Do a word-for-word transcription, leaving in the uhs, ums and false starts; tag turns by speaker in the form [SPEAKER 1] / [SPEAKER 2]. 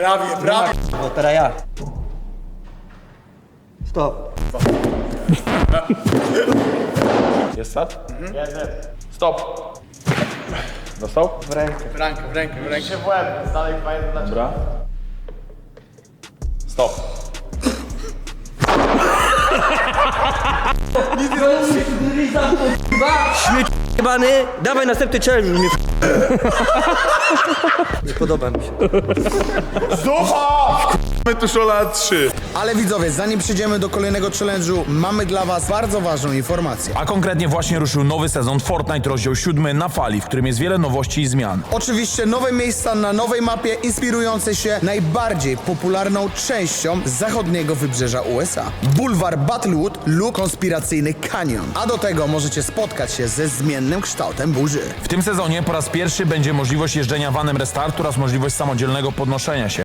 [SPEAKER 1] Prawie, prawie.
[SPEAKER 2] Bo teraz ja. Stop.
[SPEAKER 3] Jest start? Mhm. Jest, jest. Stop. Dostał?
[SPEAKER 2] W rękę.
[SPEAKER 1] W rękę, w rękę, w rękę.
[SPEAKER 3] w łeb, jest dalej dwa jeden dla ciebie. Dobra. Stop.
[SPEAKER 2] Śmieć jebany. Dawaj następny challenge. Mnie nie podoba mi się.
[SPEAKER 3] Zucha! My tu szola trzy.
[SPEAKER 4] Ale widzowie, zanim przejdziemy do kolejnego challenge'u, mamy dla was bardzo ważną informację.
[SPEAKER 5] A konkretnie właśnie ruszył nowy sezon Fortnite rozdział siódmy na fali, w którym jest wiele nowości i zmian.
[SPEAKER 4] Oczywiście nowe miejsca na nowej mapie inspirujące się najbardziej popularną częścią zachodniego wybrzeża U S A. Bulwar Battlewood lub konspiracyjny kanion. A do tego możecie spotkać się ze zmiennym kształtem burzy.
[SPEAKER 5] W tym sezonie po raz pierwszy będzie możliwość jeżdżenia vanem Restart oraz możliwość samodzielnego podnoszenia się.